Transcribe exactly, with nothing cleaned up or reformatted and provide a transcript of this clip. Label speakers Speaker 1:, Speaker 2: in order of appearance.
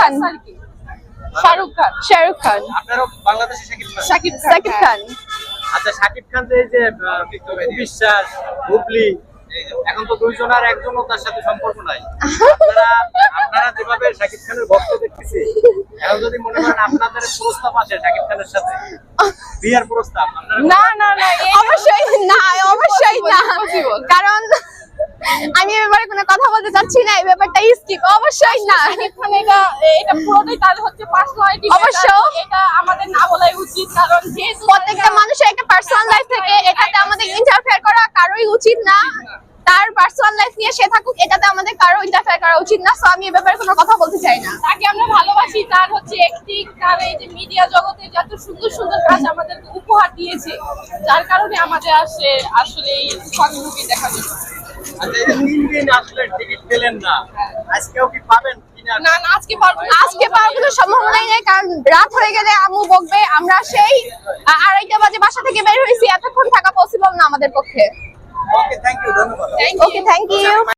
Speaker 1: খান, শাহরুখ খান, শাহরুখ খান,
Speaker 2: আপনারও বাংলাদেশে শাকিব খান।
Speaker 1: শাকিব শাকিব খান।
Speaker 2: আচ্ছা, শাকিব খান যে এই যে আহ, বিশ্বাস হুবলি, এখন তো দুইজনের একজনও তার সাথে সম্পর্ক নাই। আপনারা আপনারা যেভাবে শাকিব খানের ভক্ত দেখতেছি, এখন যদি মনে করেন আপনাদের প্রস্তাব আসে শাকিব খানের সাথে বিয়ের প্রস্তাব, আপনারা
Speaker 1: না না না, অবশ্যই না, অবশ্যই না, কারণ আমি এই ব্যাপারে কোনো কথা বলতে চাচ্ছি না, এই ব্যাপারটা স্কিপ, অবশ্যই না।
Speaker 3: এখানে এটা এটা পুরোটাই তার হচ্ছে পার্সোনালিটি,
Speaker 1: অবশ্য।
Speaker 3: এটা আমাদের না বলাই উচিত, কারণ যেহেতু
Speaker 1: প্রত্যেকটা মানুষের একটা পার্সোনাল লাইফ থাকে, এটাতে আমাদের ইন্টারফেয়ার করা কারোই উচিত না। তার পার্সোনাল লাইফ নিয়ে সে থাকুক, এটাতে আমাদের কারো ইন্টারফেয়ার করা উচিত না। সো আমি এই ব্যাপারে কোনো কথা বলতে চাই না।
Speaker 3: তাকে আমরা ভালোবাসি, তার হচ্ছে অ্যাক্টিং, তার এই যে মিডিয়া জগতে যত সুন্দর সুন্দর কাজ আমাদেরকে উপহার দিয়েছে, যার কারণে আমাদের আসে আসলে এই শর্ট মুভি দেখার জন্য।
Speaker 2: আচ্ছা, এই যে তিন দিন আসলে টিকিট পেলেন না, আজকেও কি পাবেন কিনা?
Speaker 3: না না, আজকে পারবো না।
Speaker 1: আজকে পাওয়ার কোনো সম্ভাবনাই নেই, কারণ রাত হয়ে গেলে আম্মু বকবে। আমরা সেই আ- আড়াইটা বাজে বাসা থেকে বের হয়েছি, এতক্ষণ থাকা পসিবল না আমাদের পক্ষে।
Speaker 2: ওকে, থ্যাংক ইউ, ধন্যবাদ।
Speaker 1: Okay, thank you.